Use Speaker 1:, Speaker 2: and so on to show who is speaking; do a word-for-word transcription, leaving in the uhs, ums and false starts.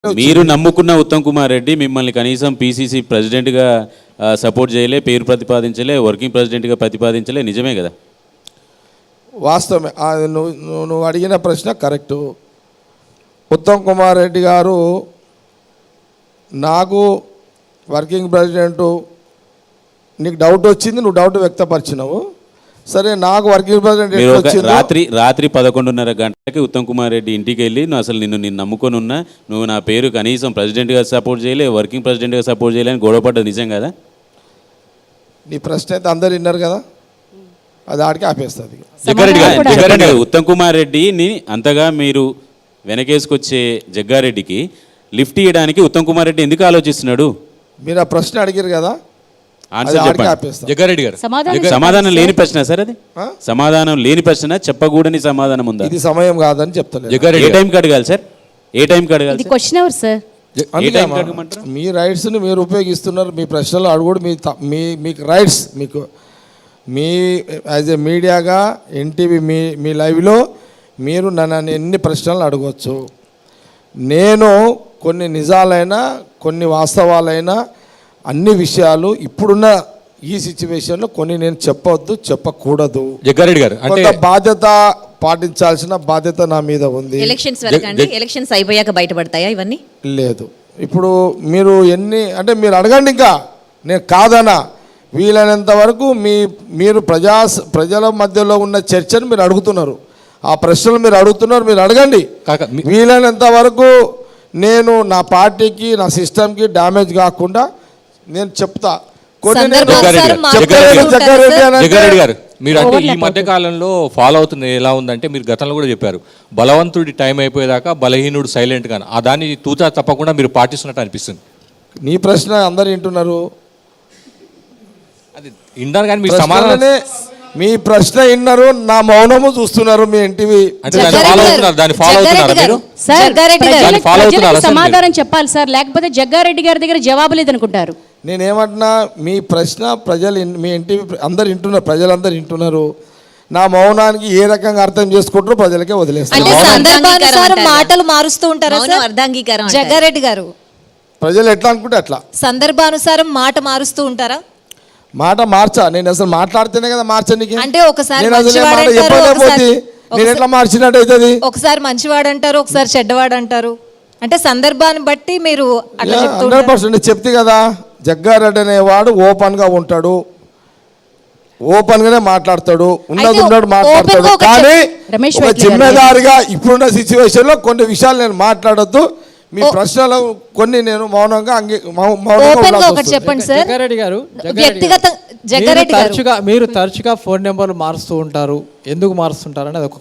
Speaker 1: మీరు నమ్ముకున్న ఉత్తమ్ కుమార్ రెడ్డి మిమ్మల్ని కనీసం పీసీసీ ప్రెసిడెంట్గా సపోర్ట్ చేయలే, పేరు ప్రతిపాదించలే, వర్కింగ్ ప్రెసిడెంట్గా ప్రతిపాదించలే, నిజమే కదా?
Speaker 2: వాస్తవమే. నువ్వు నువ్వు అడిగిన ప్రశ్న కరెక్టు. ఉత్తమ్ కుమార్ రెడ్డి గారు నాకు వర్కింగ్ ప్రెసిడెంటు నీకు డౌట్ వచ్చింది, నువ్వు డౌట్ వ్యక్తపరిచినావు. సరే, నాకు వర్కింగ్ ప్రెసిడెంట్
Speaker 1: రాత్రి రాత్రి పదకొండున్నర గంటలకి ఉత్తమ్ కుమార్ రెడ్డి ఇంటికి వెళ్ళి నువ్వు అసలు నిన్ను నేను నమ్ముకొని ఉన్నా, నువ్వు నా పేరు కనీసం ప్రెసిడెంట్గా సపోర్ట్ చేయలే, వర్కింగ్ ప్రెసిడెంట్గా సపోర్ట్ చేయలే అని గొడవపడ్డది నిజం కదా?
Speaker 2: నీ ప్రశ్న అయితే అందరు విన్నారు కదా, అది ఆడికి ఆపేస్తుంది.
Speaker 1: జగ్గారెడ్డి గారు, ఉత్తమ్ కుమార్ రెడ్డిని అంతగా మీరు వెనకేసుకొచ్చే జగ్గారెడ్డికి లిఫ్ట్ ఇవ్వడానికి ఉత్తమ్ కుమార్ రెడ్డి ఎందుకు ఆలోచిస్తున్నాడు?
Speaker 2: మీరు ఆ ప్రశ్న అడిగారు కదా,
Speaker 1: జగ్గారెడ్డి గారు. సమాధానం లేని ప్రశ్న సార్ అది, సమాధానం లేని ప్రశ్న, చెప్పకూడని సమాధానం ఉందా?
Speaker 2: ఇది సమయం కాదని చెప్తాను.
Speaker 1: ఏ టైంకి అడగాలి సార్? ఏ టైంకి అడగాలి?
Speaker 2: మీ రైట్స్ని మీరు ఉపయోగిస్తున్నారు. మీ ప్రశ్నలు అడుగుడు మీ మీ మీకు రైట్స్, మీకు మీ యాజ్ ఏ మీడియాగా ఎన్టీవీ మీ మీ లైవ్లో మీరు నన్ను ఎన్ని ప్రశ్నలు అడగవచ్చు. నేను కొన్ని నిజాలైనా కొన్ని వాస్తవాలైనా అన్ని విషయాలు ఇప్పుడున్న ఈ సిచ్యువేషన్లో కొన్ని నేను చెప్పవద్దు, చెప్పకూడదు.
Speaker 3: జగ్గారెడ్డి గారు,
Speaker 2: కొంత బాధ్యత పాటించాల్సిన బాధ్యత నా మీద ఉంది.
Speaker 4: ఎలక్షన్స్ వరకు అండి, ఎలక్షన్స్ అయిపోయాక బయటపడతాయా ఇవన్నీ?
Speaker 2: లేదు, ఇప్పుడు మీరు ఎన్ని అంటే మీరు అడగండి, ఇంకా నేను కాదనా. వీలైనంత వరకు మీ మీరు ప్రజా ప్రజల మధ్యలో ఉన్న చర్చను మీరు అడుగుతున్నారు, ఆ ప్రశ్నలు మీరు అడుగుతున్నారు, మీరు అడగండి. వీలైనంత వరకు నేను నా పార్టీకి నా సిస్టమ్కి డ్యామేజ్ కాకుండా నేను చెప్తా.
Speaker 3: జగ్గారెడ్డి గారు, మీరు అంటే ఈ మధ్య కాలంలో ఫాలో అవుతుంది ఎలా ఉందంటే, మీరు గతంలో కూడా చెప్పారు బలవంతుడి టైం అయిపోయేదాకా బలహీనుడు సైలెంట్ గా, ఆ దాన్ని తూచా తప్పకుండా మీరు పాటిస్తున్నట్టు అనిపిస్తుంది.
Speaker 2: నీ ప్రశ్న అందరు వింటున్నారు,
Speaker 3: అది విన్నారు కానీ మీ సమాధానం,
Speaker 2: మీ ప్రశ్న విన్నారు, నా మౌనము చూస్తున్నారు. మీ ఎన్టీవీ
Speaker 5: సమాధానం చెప్పాలి సార్, లేకపోతే జగ్గారెడ్డి గారి దగ్గర జవాబు లేదనుకుంటారు.
Speaker 2: నేనేమంటున్నా, మీ ప్రశ్న ప్రజలు మీ ఎన్టీవీ అందరు వింటున్నారు, ప్రజలందరూ వింటున్నారు. నా మౌనానికి ఏ రకంగా అర్థం చేసుకుంటారో ప్రజలకే వదిలేస్తారు.
Speaker 4: మాటలు మారుస్తూ ఉంటారు అర్ధాంగీకారం. జగ్గారెడ్డి గారు,
Speaker 2: ప్రజలు ఎట్లా అనుకుంటే అట్లా
Speaker 4: సందర్భానుసారం మాట మారుస్తూ ఉంటారా?
Speaker 2: మాట మార్చా, నేను అసలు మాట్లాడితేనే కదా మార్చనికి.
Speaker 4: అంటే ఒకసారి
Speaker 2: నేను ఎట్లా మార్చినట్టు అవుతుంది.
Speaker 4: ఒకసారి మంచివాడు అంటారు, ఒకసారి చెడ్డవాడు అంటారు. అంటే సందర్భాన్ని బట్టి మీరు
Speaker 2: హండ్రెడ్ పర్సెంట్ చెప్తే కదా. జగ్గారెడ్డి అనేవాడు ఓపెన్ గా ఉంటాడు, ఓపెన్ గానే మాట్లాడతాడు, ఉన్నది ఉన్నాడు మాట్లాడతాడు. కానీ ఒక జిమ్మేదారిగా ఇప్పుడున్న సిచ్యువేషన్ లో కొన్ని విషయాలు నేను మాట్లాడొద్దు. మీ ప్రశ్నలు కొన్ని నేను మౌనంగా
Speaker 4: చెప్పండి సార్.
Speaker 6: జగ్గారెడ్డి గారు,
Speaker 4: వ్యక్తిగత
Speaker 6: తరచుగా మీరు తరచుగా ఫోన్ నెంబర్లు మారుస్తూ ఉంటారు, ఎందుకు మారుస్తుంటారు అనేది ఒక